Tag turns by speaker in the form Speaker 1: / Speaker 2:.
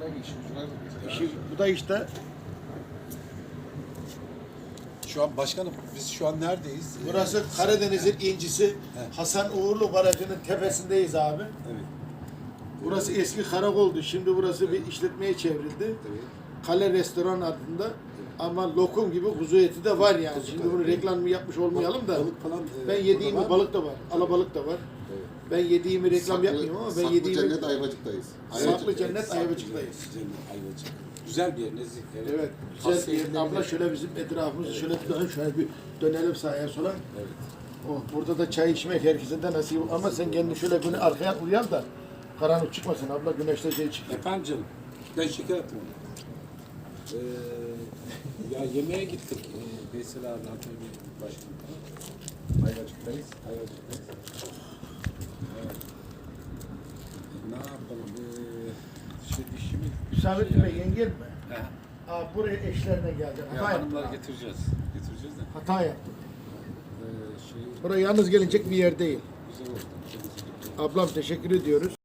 Speaker 1: Bu da işte
Speaker 2: Şu an başkanım biz şu an neredeyiz?
Speaker 1: burası Karadeniz'in incisi Hasan Uğurlu Barajı'nın tepesindeyiz abi.
Speaker 2: Evet.
Speaker 1: Burası eski karakoldu. Şimdi burası bir işletmeye çevrildi.
Speaker 2: Evet.
Speaker 1: Kale Restoran adında. Ama lokum gibi kuzu eti de var yani. Şimdi bunu reklamını yapmış olmayalım da.
Speaker 2: Balık falan,
Speaker 1: Ben yediğimi
Speaker 2: burada var
Speaker 1: balık da var. Alabalık da var.
Speaker 2: Evet.
Speaker 1: Ben yediğimi reklam yapmıyorum ama ben yediğimi...
Speaker 3: Saklı Cennet Ayvacık'tayız.
Speaker 1: Saklı Cennet Ayvacık'tayız.
Speaker 2: Cennet Ayvacık. Güzel bir yer, nezih.
Speaker 1: Evet, güzel bir yer. Abla şöyle bizim etrafımızı şöyle bir dön, şöyle bir dönelim sağa sola.
Speaker 2: Evet.
Speaker 1: Oh, burada da çay içmek herkese de nasip ama sen kendini şöyle böyle arkaya uyan da karanlık çıkmasın abla, güneşte şey çıkıyor.
Speaker 2: Efendim canım, ben şeker attım ona. Ya yemeğe gittik. Veysel abi, Antalya Başkanı falan. Ayvacık'tayız. Evet. Ne yapalım? Dişimi...
Speaker 1: Hüsamettin Bey yengen mi?
Speaker 2: He.
Speaker 1: Aa, buraya eşlerine gelecek.
Speaker 2: Ya
Speaker 1: Hata
Speaker 2: hanımları
Speaker 1: yaptım.
Speaker 2: getireceğiz. Getireceğiz de.
Speaker 1: Hata yaptım.
Speaker 2: Şey,
Speaker 1: Buraya yalnız gelecek bir yer değil.
Speaker 2: güzel oldu.
Speaker 1: Ablam teşekkür ediyoruz.